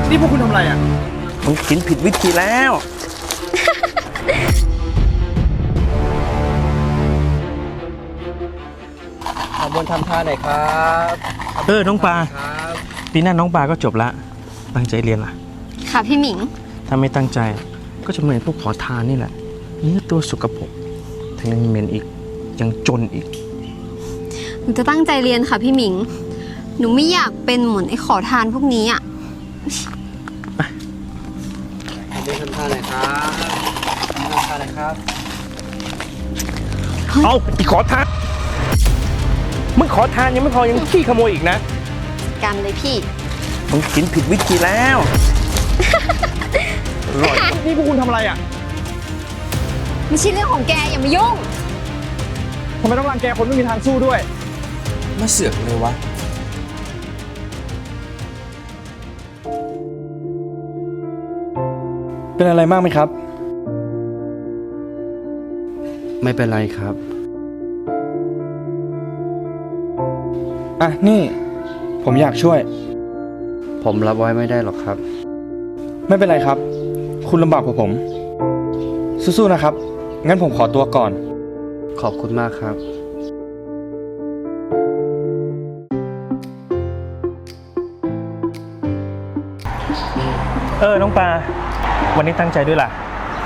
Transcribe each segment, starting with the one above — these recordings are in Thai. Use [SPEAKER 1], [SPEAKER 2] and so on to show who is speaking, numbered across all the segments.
[SPEAKER 1] นี่พวกคุณทำอะไรอ่ะ
[SPEAKER 2] ผมกินผิดวิธีแล้ว
[SPEAKER 1] ขอบนทำท่าหน่อยครับ
[SPEAKER 2] น้องปลาปีหน้าน้องปลาก็จบละตั้งใจเรียนล่ะ
[SPEAKER 3] ค่ะพี่หมิง
[SPEAKER 2] ถ้าไม่ตั้งใจก็จะเหมือนพวกขอทานนี่แหละเนื้อตัวสกปรกทั้งยังเหม็นอีกยังจนอีก
[SPEAKER 3] หนูจะตั้งใจเรียนค่ะพี่หมิงหนูไม่อยากเป็นเหมือนไอ้ขอทานพวกนี้อ่ะ
[SPEAKER 1] ขอบนทำท่าหน่อยครับทำท่าหน่อยครับ
[SPEAKER 2] เอาอีขอทานมึงขอทานยังไม่พอยังขี้ขโมยอีกนะ
[SPEAKER 3] กันเลยพี่
[SPEAKER 2] มึงกินผิดวิธีแล้ว
[SPEAKER 1] นี่พวกคุณทำอะไรอ่ะ
[SPEAKER 3] ไม่ใช่เรื่องของแกอย่ามายุ่ง
[SPEAKER 1] ทำไมต้องรังแกคนไม่มีทางสู้ด้วย
[SPEAKER 2] มาเสือกเลยวะ
[SPEAKER 1] เป็นอะไรมากไหมครับ
[SPEAKER 2] ไม่เป็นไรครับ
[SPEAKER 1] นี่ผมอยากช่วย
[SPEAKER 2] ผมรับไว้ไม่ได้หรอกครับ
[SPEAKER 1] ไม่เป็นไรครับคุณลำบากกว่าผมสู้ๆนะครับงั้นผมขอตัวก่อน
[SPEAKER 2] ขอบคุณมากครับน้องปลาวันนี้ตั้งใจด้วยล่ะ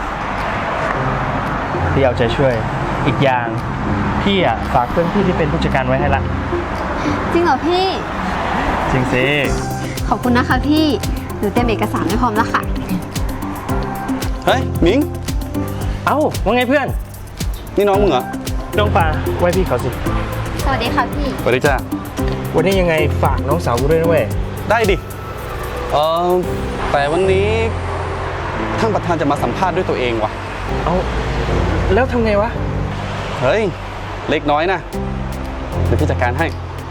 [SPEAKER 2] พี่เอาใจช่วยอีกอย่างพี่ฝากเพื่อนพี่ที่เป็นผู้จัดการไว้ให้ละ
[SPEAKER 3] จริงเหรอพี่
[SPEAKER 2] จริงสิ
[SPEAKER 3] ขอบคุณนะคะพี่หนูเตรียมเอกสารไว้พร้อมแล้วค่ะ
[SPEAKER 1] เฮ้ยหมิง
[SPEAKER 2] เอ้าว่าไงเพื่อน
[SPEAKER 1] นี่น้องมึงเหรอ
[SPEAKER 2] น้องปลาไว้พี่เขาสิ
[SPEAKER 3] สวัสดีค่ะพี่
[SPEAKER 1] สวัสดีจ้า
[SPEAKER 2] วันนี้ยังไงฝากน้องสาวกูด้วยนะเว้ย
[SPEAKER 1] ได้ดิแต่วันนี้ท่านประธานจะมาสัมภาษณ์ด้วยตัวเองว่ะ
[SPEAKER 2] เอาแล้วทำไงวะ
[SPEAKER 1] เฮ้ยเล็กน้อยนะเดี๋ยวพี่จัดการให้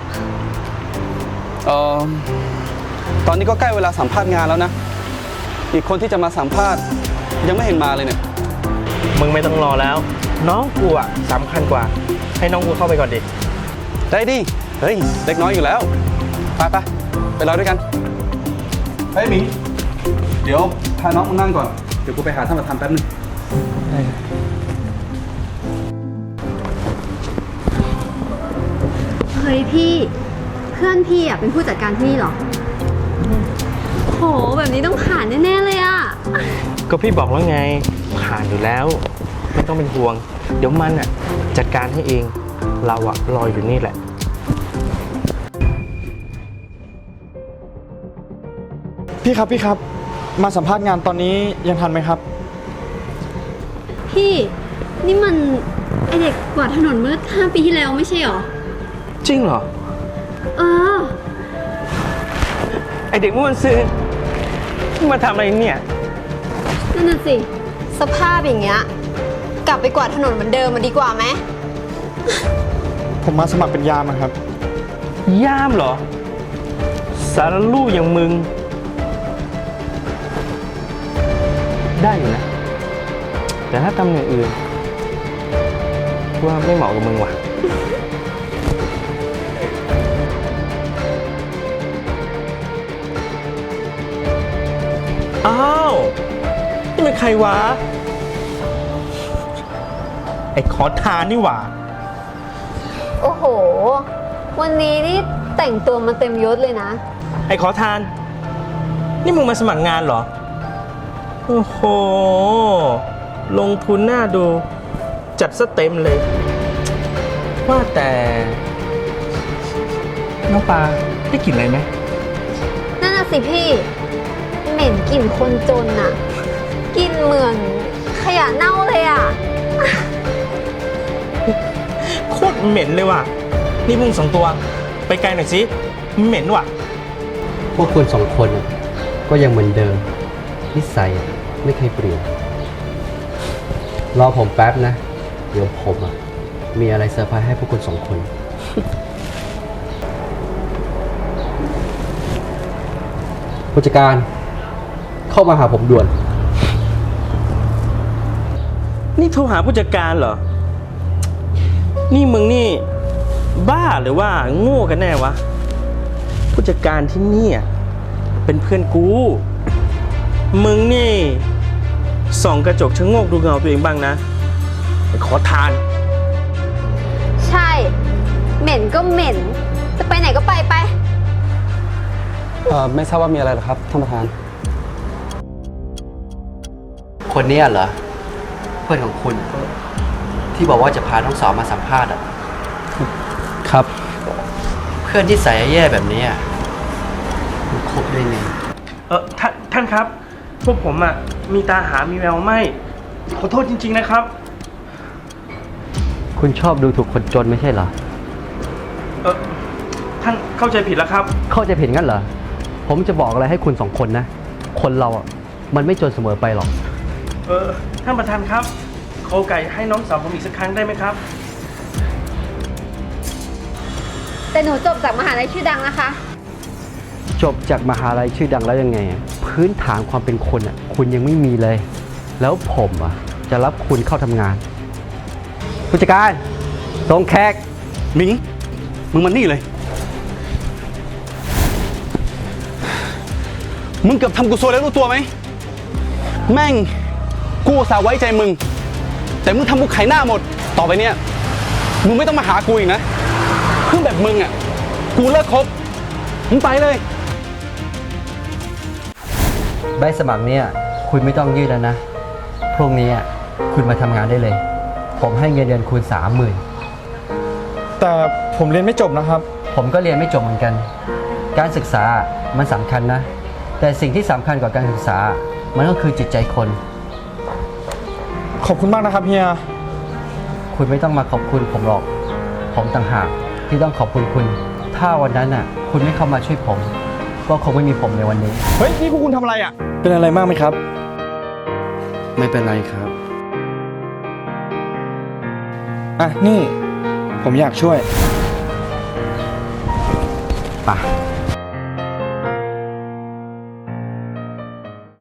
[SPEAKER 1] ตอนนี้ก็ใกล้เวลาสัมภาษณ์งานแล้วนะอีกคนที่จะมาสัมภาษณ์ยังไม่เห็นมาเลยเนี่ย
[SPEAKER 2] มึงไม่ต้องรอแล้วน้องกูสำคัญกว่าให้น้องกูเข้าไปก่อนดิ
[SPEAKER 1] ได้ดิเฮ้ยเล็กน้อยอยู่แล้วไปรอด้วยกันเฮ้ยหมิงเดี๋ยวพาน้องมึงนั่งก่อนเดี๋ยวกูไปหาท่านประธานแป๊บนึง
[SPEAKER 3] เฮ้ยพี่เพื่อนพี่เป็นผู้จัดการที่นี่หรอโหแบบนี้ต้องผ่านแน่ๆเลยอ่ะ
[SPEAKER 2] ก็พี่บอกแล้วไงผ่านอยู่แล้วไม่ต้องเป็นห่วงเดี๋ยวมันจัดการให้เองเรารออยู่นี่แหละ
[SPEAKER 1] พี่ครับมาสัมภาษณ์งานตอนนี้ยังทันไหมครับ
[SPEAKER 3] พี่นี่มันไอเด็กกวาดถนนเมื่อ5 ปีที่แล้วไม่ใช่หรอ
[SPEAKER 2] จริงเหรอไอเด็กเมื่อวันซื้อมาทำอะไรเนี่ย
[SPEAKER 3] นั่นน่ะสิสภาพอย่างเงี้ยกลับไปกวาดถนนเหมือนเดิมมาดีกว่าไหม
[SPEAKER 1] ผมมาสมัครเป็นยามครับ
[SPEAKER 2] ยามเหรอสารลูกอย่างมึงได้อยู่นะแต่ถ้าทำอย่างอื่นว่าไม่เหมาะกับมึงว่ะอ้าวนี่เป็นใครวะไอ้ขอทานนี่หว่า
[SPEAKER 3] โอ้โหวันนี้นี่แต่งตัวมาเต็มยศเลยนะ
[SPEAKER 2] ไอ้ขอทานนี่มึงมาสมัครงานเหรอโอ้โหลงทุนหน้าดูจัดซะเต็มเลยว่าแต่น้องปลาได้กลิ่นอะไรไหม
[SPEAKER 3] นั่นน่ะสิพี่เหม็นกลิ่นคนจนน่ะกลิ่นเหมือนขยะเน่าเลยอ่ะ
[SPEAKER 2] โคตรเหม็นเลยว่ะนี่มึง2 ตัวไปไกลหน่อยสิเหม็นว่ะ
[SPEAKER 4] พวกคุณ2 คนก็ยังเหมือนเดิมนิสัยไม่เคยเปลี่ยนรอผมแป๊บนะเดี๋ยวผมมีอะไรเซอร์ไพรส์ให้พวกคุณ2 คนผู้จัดการเข้ามาหาผมด่วน
[SPEAKER 2] นี่โทรหาผู้จัดการเหรอนี่มึงนี่บ้าหรือว่าโง่กันแน่วะผู้จัดการที่นี่เป็นเพื่อนกูมึงนี่ส่องกระจกชะโงกดูเงาตัวเองบ้างนะไอ้ขอทาน
[SPEAKER 3] ใช่ เหม็นก็เหม็น จะไปไหนก็ไปไป
[SPEAKER 1] ไม่ทราบว่ามีอะไรเหรอครับท่านประธาน
[SPEAKER 4] คนเนี้ยเหรอ เพื่อนของคุณ ที่บอกว่าจะพาน้องสาวมาสัมภาษณ์อ่ะ
[SPEAKER 1] ครับ
[SPEAKER 4] เพื่อนที่ใส่แย่แบบนี้อ่ะคุณคบได้ไง
[SPEAKER 2] ท่านครับ พวกผมอะมีตาหามีแววไม่ ขอโทษจริง ๆนะครับ
[SPEAKER 4] คุณชอบดูถูกคนจนไม่ใช่เหรอ
[SPEAKER 2] ท่านเข้าใจผิดแล้วครับ
[SPEAKER 4] เข้าใจผิดงั้นเหรอ ผมจะบอกอะไรให้คุณสองคนนะ คนเราอ่ะ มันไม่จนเสมอไปหรอก
[SPEAKER 2] ท่านประธานครับขอโอกาสให้น้องสาวผมอีกสักครั้งได้ไหมครับ
[SPEAKER 3] แต่หนูจบจากมหาลัยชื่อดังนะคะ
[SPEAKER 4] จบจากมหาลัยชื่อดังแล้วยังไงอะพื้นฐานความเป็นคนอ่ะ คุณยังไม่มีเลย แล้วผมอ่ะ จะรับคุณเข้าทำงาน ผู้จัดการส่งแขก
[SPEAKER 1] หมิง มึงมานี่เลย มึงเกือบทำกูซวยแล้วรู้ตัวไหม แม่ง กูอุตส่าห์ไว้ใจมึง แต่มึงทำกูไขหน้าหมด ต่อไปเนี่ย มึงไม่ต้องมาหากูอีกนะเพื่อนแบบมึงอ่ะ กูเลิกคบ มึงไปเลย
[SPEAKER 4] ใบสมัครเนี่ยคุณไม่ต้องยื่นแล้วนะ พรุ่งนี้อะคุณมาทำงานได้เลย ผมให้เงินเดือนคุณ 30,000
[SPEAKER 5] แต่ผมเรียนไม่จบนะครับ
[SPEAKER 4] ผมก็เรียนไม่จบเหมือนกัน การศึกษามันสำคัญนะ แต่สิ่งที่สำคัญกว่าการศึกษา มันก็คือจิตใจคน
[SPEAKER 5] ขอบคุณมากนะครับเฮีย
[SPEAKER 4] คุณไม่ต้องมาขอบคุณผมหรอก ผมต่างหากที่ต้องขอบคุณคุณ ถ้าวันนั้นน่ะ คุณไม่เข้ามาช่วยผม ก็คงไม่มีผมในวันนี้
[SPEAKER 5] เฮ้ย นี่พวกคุณทำอะไรอ่ะ เป็นอะไรมากไหมครับ
[SPEAKER 4] ไม่เป็นไรครับ
[SPEAKER 5] อ่ะ นี่ ผมอยากช่วย
[SPEAKER 4] ป่ะ